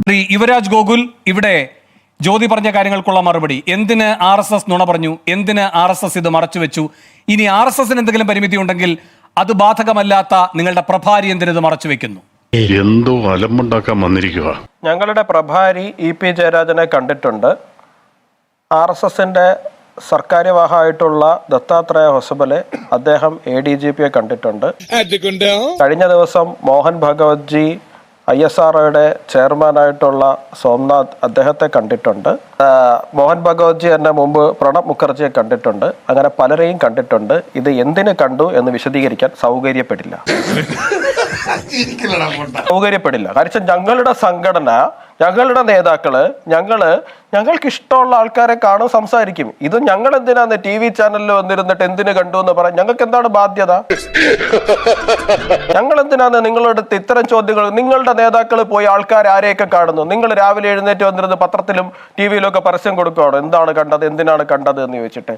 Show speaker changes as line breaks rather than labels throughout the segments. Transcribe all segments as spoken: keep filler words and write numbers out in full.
യുവരാജ് ഗോകുൽ ഇവിടെ ജ്യോതി പറഞ്ഞ കാര്യങ്ങൾക്കുള്ള മറുപടി. എന്തിന് ആർ എസ് എസ് നുണ പറഞ്ഞു? എന്തിന് ആർ എസ് എസ് ഇത് മറച്ചുവെച്ചു? ഇനി ആർ എസ് എസിന് എന്തെങ്കിലും പരിമിതി ഉണ്ടെങ്കിൽ അത് ബാധകമല്ലാത്ത നിങ്ങളുടെ പ്രഭാരി എന്തിനത് മറച്ചു വെക്കുന്നു?
എന്തോ അലമ്പുണ്ടാക്കാൻ വന്നിരിക്കുക.
ഞങ്ങളുടെ പ്രഭാരി ഇ പി ജയരാജനെ കണ്ടിട്ടുണ്ട്. ആർ എസ് എസിന്റെ സർക്കാര്യവാഹമായിട്ടുള്ള ദത്താത്രേയ ഹൊസബലെ അദ്ദേഹം എ ഡി ജി പിയെ കണ്ടിട്ടുണ്ട്. കഴിഞ്ഞ ദിവസം Mohan Bhagwat ji I S R ഒയുടെ ചെയർമാനായിട്ടുള്ള സോംനാഥ് അദ്ദേഹത്തെ കണ്ടിട്ടുണ്ട്. മോഹൻ ഭഗവത് ജി എന്നെ മുമ്പ് പ്രണബ് മുഖർജിയെ കണ്ടിട്ടുണ്ട്. അങ്ങനെ പലരെയും കണ്ടിട്ടുണ്ട്. ഇത് എന്തിനു കണ്ടു എന്ന് വിശദീകരിക്കാൻ സൗകര്യപ്പെടില്ല സൗകര്യപ്പെടില്ല കാരണം ഞങ്ങളുടെ സംഘടന, ഞങ്ങളുടെ നേതാക്കള്, ഞങ്ങള് ഞങ്ങൾക്ക് ഇഷ്ടമുള്ള ആൾക്കാരെ കാണും, സംസാരിക്കും. ഇത് ഞങ്ങൾ എന്തിനാന്ന് ടി വി ചാനലിൽ വന്നിരുന്നിട്ട് എന്തിനു കണ്ടു എന്ന് പറയാൻ ഞങ്ങൾക്ക് എന്താണ് ബാധ്യത? ഞങ്ങൾ എന്തിനാന്ന് നിങ്ങളുടെ ഇത്തരം ചോദ്യങ്ങൾ? നിങ്ങളുടെ നേതാക്കൾ പോയി ആൾക്കാർ ആരെയൊക്കെ കാണുന്നു? നിങ്ങൾ രാവിലെ എഴുന്നേറ്റ് വന്നിരുന്ന് പത്രത്തിലും ടി വിയിലും ഒക്കെ പരസ്യം കൊടുക്കുകയാണ്, എന്താണ് കണ്ടത്, എന്തിനാണ് കണ്ടത് എന്ന് ചോദിച്ചിട്ട്.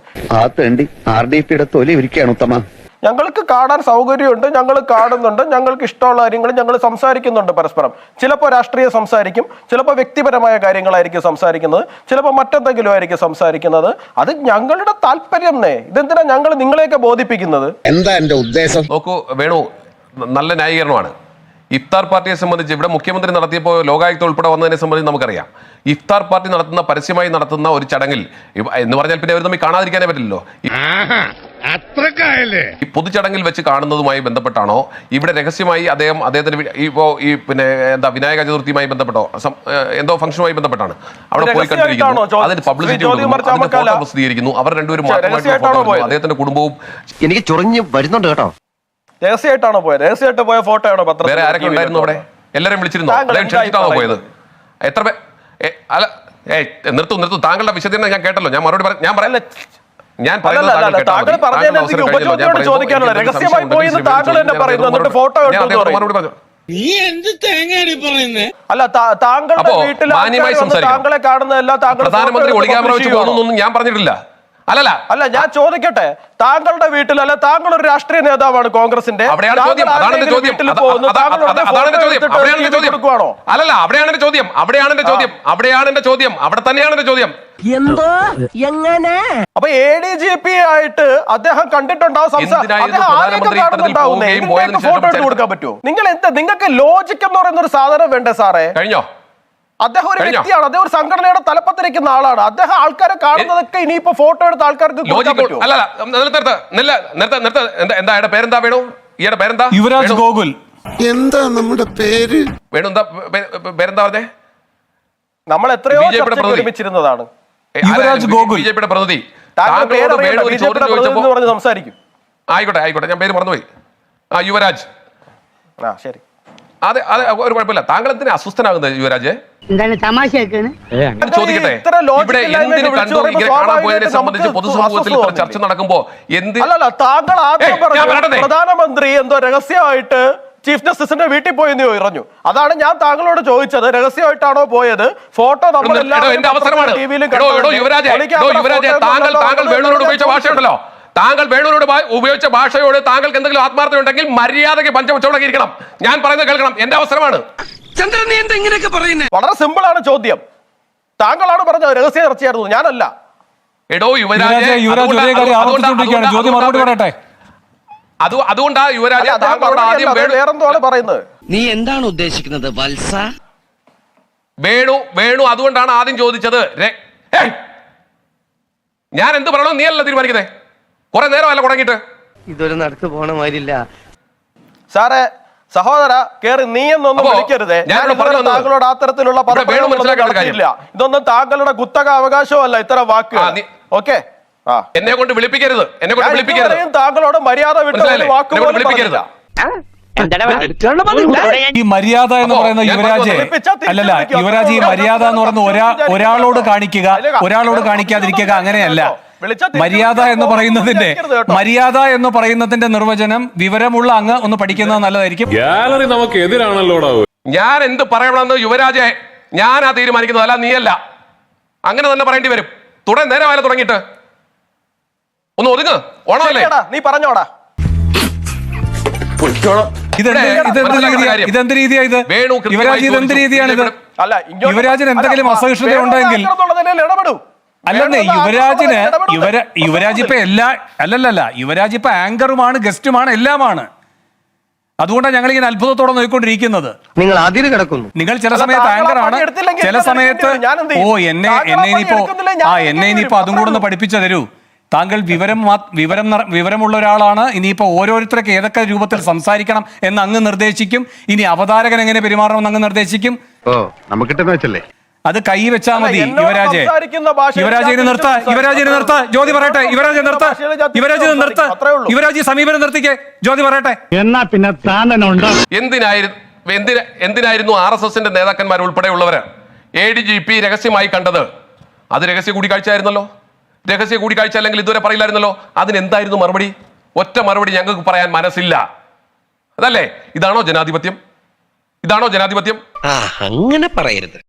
ഞങ്ങൾക്ക് കാണാൻ സൗകര്യമുണ്ട്, ഞങ്ങൾ കാണുന്നുണ്ട്, ഞങ്ങൾക്ക് ഇഷ്ടമുള്ള കാര്യങ്ങൾ ഞങ്ങൾ സംസാരിക്കുന്നുണ്ട് പരസ്പരം. ചിലപ്പോൾ രാഷ്ട്രീയം സംസാരിക്കും, ചിലപ്പോൾ വ്യക്തിപരമായ കാര്യങ്ങളായിരിക്കും സംസാരിക്കുന്നത്, ചിലപ്പോൾ മറ്റെന്തെങ്കിലും ആയിരിക്കും സംസാരിക്കുന്നത്. അത് ഞങ്ങളുടെ താല്പര്യം. ഇതെന്തിനാ ഞങ്ങൾ നിങ്ങളെയൊക്കെ ബോധിപ്പിക്കുന്നത്?
എന്താ എന്റെ ഉദ്ദേശം?
നോക്കൂ വേണു, നല്ല ന്യായീകരണമാണ്. ഇഫ്താർ പാർട്ടിയെ സംബന്ധിച്ച് ഇവിടെ മുഖ്യമന്ത്രി നടത്തിയപ്പോൾ ലോകായുക്ത ഉൾപ്പെടെ വന്നതിനെ സംബന്ധിച്ച് നമുക്കറിയാം. ഇഫ്താർ പാർട്ടി നടത്തുന്ന പരസ്യമായി നടത്തുന്ന ഒരു ചടങ്ങിൽ എന്ന് പറഞ്ഞാൽ പിന്നെ അവർ തമ്മിൽ കാണാതിരിക്കാനേ പറ്റില്ലല്ലോ. ഈ പൊതുചടങ്ങിൽ വെച്ച് കാണുന്നതുമായി ബന്ധപ്പെട്ടാണോ ഇവിടെ രഹസ്യമായി അദ്ദേഹം അദ്ദേഹത്തിന് ഇപ്പോ ഈ പിന്നെ എന്താ വിനായക ചതുർത്ഥിയുമായി ബന്ധപ്പെട്ടോ എന്തോ ഫംഗ്ഷനുമായി ബന്ധപ്പെട്ടാണ് അവിടെ പോയി കണ്ടിരിക്കുന്നു. അതിന് പബ്ലിസിറ്റി ഫോട്ടോ പ്രസിദ്ധീകരിക്കുന്നു. അവർ രണ്ടുപേരും അദ്ദേഹത്തിന്റെ കുടുംബവും
എനിക്ക് ചൊറിഞ്ഞ് വരുന്നുണ്ട് കേട്ടോ.
രഹസ്യമായിട്ടാണോ പോയത്? രഹസ്യമായിട്ട് പോയ ഫോട്ടോ ആണോ പത്രം?
വേറെ ആരൊക്കെ ഉണ്ടായിരുന്നു അവിടെ? എല്ലാവരും വിളിച്ചിരുന്നു? അദ്ദേഹം ക്ഷണിച്ചിട്ടാണോ പോയത്? എത്ര പേ അല്ല ഏ നിർത്തൂ നിർത്തൂ താങ്കളുടെ വിശദീകരണം ഞാൻ കേട്ടല്ലോ. ഞാൻ മറുപടി ഞാൻ പറയല്ല. ഞാൻ പ്രധാനമന്ത്രി ഒളിക്യാമറ വെച്ച് പോകുന്നൊന്നും ഞാൻ പറഞ്ഞിട്ടില്ല. അല്ലല്ല
അല്ല ഞാൻ ചോദിക്കട്ടെ, താങ്കളുടെ വീട്ടിൽ അല്ല, താങ്കൾ ഒരു രാഷ്ട്രീയ നേതാവാണ് കോൺഗ്രസിന്റെ,
അവിടെയാണ് ചോദ്യം. അതാണ് എന്റെ ചോദ്യം. അതാണ് എന്റെ ചോദ്യം. അവിടെയാണ് എന്റെ ചോദ്യം. അല്ലല്ല അവിടെയാണ് എന്റെ ചോദ്യം. അവിടെയാണ് എന്റെ ചോദ്യം. അവിടെയാണ് എന്റെ ചോദ്യം. അവിടെ തന്നെയാണ് എന്റെ ചോദ്യം.
എന്തോ എങ്ങനെ?
അപ്പൊ എ ഡി ജി പി ആയിട്ട് അദ്ദേഹം കണ്ടിട്ടുണ്ടാവും, ഫോട്ടോ എടുത്ത് കൊടുക്കാൻ പറ്റുമോ? നിങ്ങൾ എന്താ, നിങ്ങൾക്ക് ലോജിക് എന്ന് പറയുന്ന ഒരു സാധനം വേണ്ടേ സാറേ?
കഴിഞ്ഞോ?
അദ്ദേഹം ഒരു വ്യക്തിയാണ്, അദ്ദേഹം ഒരു സംഘടനയുടെ തലപ്പത്തിരിക്കുന്ന ആളാണ്. അദ്ദേഹം ആൾക്കാരെ കാണുന്നതൊക്കെ ഇനിയിപ്പോ ഫോട്ടോ എടുത്ത് ആൾക്കാർക്ക്
എന്താ പേരെന്താ വേണു? ഈയുടെ പേരെന്താ?
യുവരാജ് ഗോകുൽ.
എന്താ നമ്മുടെ പേര്?
വേണു എന്താ പേരെന്താ പറഞ്ഞേ?
നമ്മൾ എത്രയോ ഒരുമിച്ചിരുന്നതാണ്.
യുവരാജ് ഗോകുൽ
ബിജെപിയുടെ പ്രതിനിധി.
സംസാരിക്കും.
ആയിക്കോട്ടെ ആയിക്കോട്ടെ, ഞാൻ പേര് മറന്നുപോയി. ആ യുവരാജ്.
ആ ശരി,
അതെ അതെ, ഒരു കുഴപ്പമില്ല. താങ്കൾ എന്തിനാ അസ്വസ്ഥനാകുന്നത് യുവരാജ്? ചോദിക്കട്ടെ, ഇവിടെ എന്തിനു കണ്ടു ഇങ്ങനെ കാണാൻ പോയതിനെ സംബന്ധിച്ച് പൊതുസമൂഹത്തിൽ ഇത്ര ചർച്ച നടക്കുമ്പോ എന്ത്?
താങ്കൾ ആദ്യം പറഞ്ഞു പ്രധാനമന്ത്രി എന്തോ രഹസ്യമായിട്ട് ചീഫ് ജസ്റ്റിസിന്റെ വീട്ടിൽ പോയെന്ന് പറഞ്ഞു. അതാണ് ഞാൻ താങ്കളോട് ചോദിച്ചത്, രഹസ്യമായിട്ടാണോ പോയത്? ഫോട്ടോ നമ്മൾ
എന്റെ അവസരമാണ്. താങ്കൾ താങ്കൾ വേണുവിനോട് ഉപയോഗിച്ച ഭാഷയുണ്ടല്ലോ, താങ്കൾ വേണുവിനോട് ഉപയോഗിച്ച ഭാഷയോട് താങ്കൾക്ക് എന്തെങ്കിലും ആത്മാർത്ഥത ഉണ്ടെങ്കിൽ മര്യാദയ്ക്ക് പഞ്ചവച്ചോടങ്ങിയിരിക്കണം. ഞാൻ പറയുന്നത് കേൾക്കണം. എന്റെ അവസരമാണ്.
വളരെ സിമ്പിൾ ആണ് ചോദ്യം. താങ്കളാണ് പറഞ്ഞത് രഹസ്യ ചർച്ചയായിരുന്നു, ഞാനല്ല.
എടോ യുവരാജ്, അതുകൊണ്ടാ യുവരാജ് താങ്കളോട് ആദ്യം
വേറെന്തോണ് പറയുന്നത്.
നീ എന്താണ് ഉദ്ദേശിക്കുന്നത് വത്സ?
വേണു വേണു അതുകൊണ്ടാണ് ആദ്യം ചോദിച്ചത്. ഞാൻ എന്ത് പറയണോ നീ അല്ല തീരുമാനിക്കുന്നേ. കുറെ നേരമല്ല തുടങ്ങിയിട്ട്.
ഇതൊരു നടക്ക് പോണ മാതിരില്ല
സാറേ. സഹോദര കേറി നീ എന്നൊന്നും വിളിക്കരുതേ. താങ്കളോട് അത്തരത്തിലുള്ള ഇതൊന്നും താങ്കളുടെ കുത്തക അവകാശമല്ല ഇത്തരം വാക്കുകൾ. ഓക്കെ,
എന്നെ കൊണ്ട് വിളിപ്പിക്കരുത്. എന്നെ കൊണ്ട് വിളിപ്പിക്കരുത്.
താങ്കളോട് മര്യാദ വിട്ട് വാക്കുകൾ വിളിപ്പിക്കരുത്.
ഈ മര്യാദ എന്ന് പറയുന്ന യുവരാജ് അല്ലല്ല യുവരാജ് ഈ മര്യാദ എന്ന് പറയുന്ന ഒരാ ഒരാളോട് കാണിക്കുക, ഒരാളോട് കാണിക്കാതിരിക്കുക, അങ്ങനെയല്ല. മര്യാദ എന്ന് പറയുന്നതിന്റെ മര്യാദ എന്ന് പറയുന്നതിന്റെ നിർവചനം വിവരമുള്ള അങ്ങ് ഒന്ന് പഠിക്കുന്നത് നല്ലതായിരിക്കും.
ഗാലറി നമുക്ക് എതിരാണല്ലോ.
ഞാൻ എന്ത് പറയണമെന്ന് യുവരാജെ ഞാനാ തീരുമാനിക്കുന്നത്, അല്ല നീയല്ല. അങ്ങനെ തന്നെ പറയേണ്ടി വരും. തുടങ്ങി നേരമായാലും തുടങ്ങിയിട്ട് ഒന്ന് ഒതുങ്ങ്. ഓണമല്ലേ?
നീ പറഞ്ഞോടാ.
ഇതെന്ത് രീതിയാ ഇത്? യുവരാജ് ഇതെന്ത് രീതിയാണിത്?
അല്ല, ഇങ്ങോട്ട്
യുവരാജന് എന്തെങ്കിലും
അല്ല,
അസഹിഷ്ണുത
വേണു
ഉണ്ടെങ്കിൽ
എന്നുള്ള നിലയിൽ ഇടപെടൂ.
അല്ലെന്നേ
വേണു
യുവരാജിന്
ഇടപെടൂ.
യുവര യുവരാജ് ഇപ്പൊ എല്ലാ അല്ലല്ലല്ല യുവരാജ് ഇപ്പൊ ആങ്കറുമാണ് ഗസ്റ്റുമാണ് എല്ലാമാണ്. അതുകൊണ്ടാണ് ഞങ്ങൾ ഇങ്ങനെ അത്ഭുതത്തോടെ നോക്കിക്കൊണ്ടിരിക്കുന്നത്.
നിങ്ങൾ അതിര് കിടക്കുന്നു.
നിങ്ങൾ ചില
അല്ല,
സമയത്ത്
താങ്കൾ ആ
ആങ്കറാണ്,
പണി എടുത്തില്ലെങ്കിൽ
ചില
ഞാൻ
സമയത്ത്
എടുക്കേണ്ടി വരും. ഞാൻ എന്ത്
ഓ
ചെയ്യും?
എന്നെ
താങ്കൾ ആ
എന്നെ
പണി
ഇനിയിപ്പോ
എടുക്കുന്നില്ല, ഞാൻ
ആ
എടുക്കേണ്ടി
എന്നെ ഇനിയിപ്പോ
വരും.
അതും കൂടെ ഒന്ന് പഠിപ്പിച്ചു തരൂ. താങ്കൾ വിവരം മാ- വിവരം നിറ- വിവരമുള്ള ഒരാളാണ്. ഇനിയിപ്പോ ഓരോരുത്തർക്ക് ഏതൊക്കെ രൂപത്തിൽ സംസാരിക്കണം എന്ന് അങ്ങ് നിർദ്ദേശിക്കും. ഇനി അവതാരകൻ എങ്ങനെ പെരുമാറണമെന്ന് അങ്ങ് നിർദ്ദേശിക്കും.
ഓ നമുക്കിട്ടെന്ന് വെച്ചല്ലേ.
അത് കൈ വെച്ചാ
അല്ല,
മതി.
എന്നോട്
യുവരാജെ
സംസാരിക്കുന്ന ഭാഷയിൽ
യുവരാജിനെ
ഞാൻ
നിർത്ത
തിരിച്ച്
യുവരാജിനെ നിർത്ത ജ്യോതി പറയട്ടെ. യുവരാജ് നിർത്ത യുവരാജ് നിർത്ത
അത്രേ ഉള്ളൂ.
യുവരാജ് സമീപനം നിർത്തിക്കേ. ജ്യോതി പറയട്ടെ.
എന്നാ പിന്നെ താൻ തന്നെ ഉണ്ടോ?
എന്തിനായിരുന്നു എന്തിന എന്തിനായിരുന്നു ആർ എസ് എസിന്റെ നേതാക്കന്മാർ ഉൾപ്പെടെയുള്ളവര് എ ഡി ജി പി രഹസ്യമായി കണ്ടത്? അത് രഹസ്യ കൂടിക്കാഴ്ച ആയിരുന്നല്ലോ. രഹസ്യ കൂടിക്കാഴ്ച അല്ലെങ്കിൽ ഇതുവരെ പറയില്ലായിരുന്നല്ലോ. അതിനെന്തായിരുന്നു മറുപടി? ഒറ്റ മറുപടി ഞങ്ങൾക്ക് പറയാൻ മനസ്സില്ല. അതല്ലേ? ഇതാണോ ജനാധിപത്യം? ഇതാണോ ജനാധിപത്യം?
അങ്ങനെ പറയരുത്.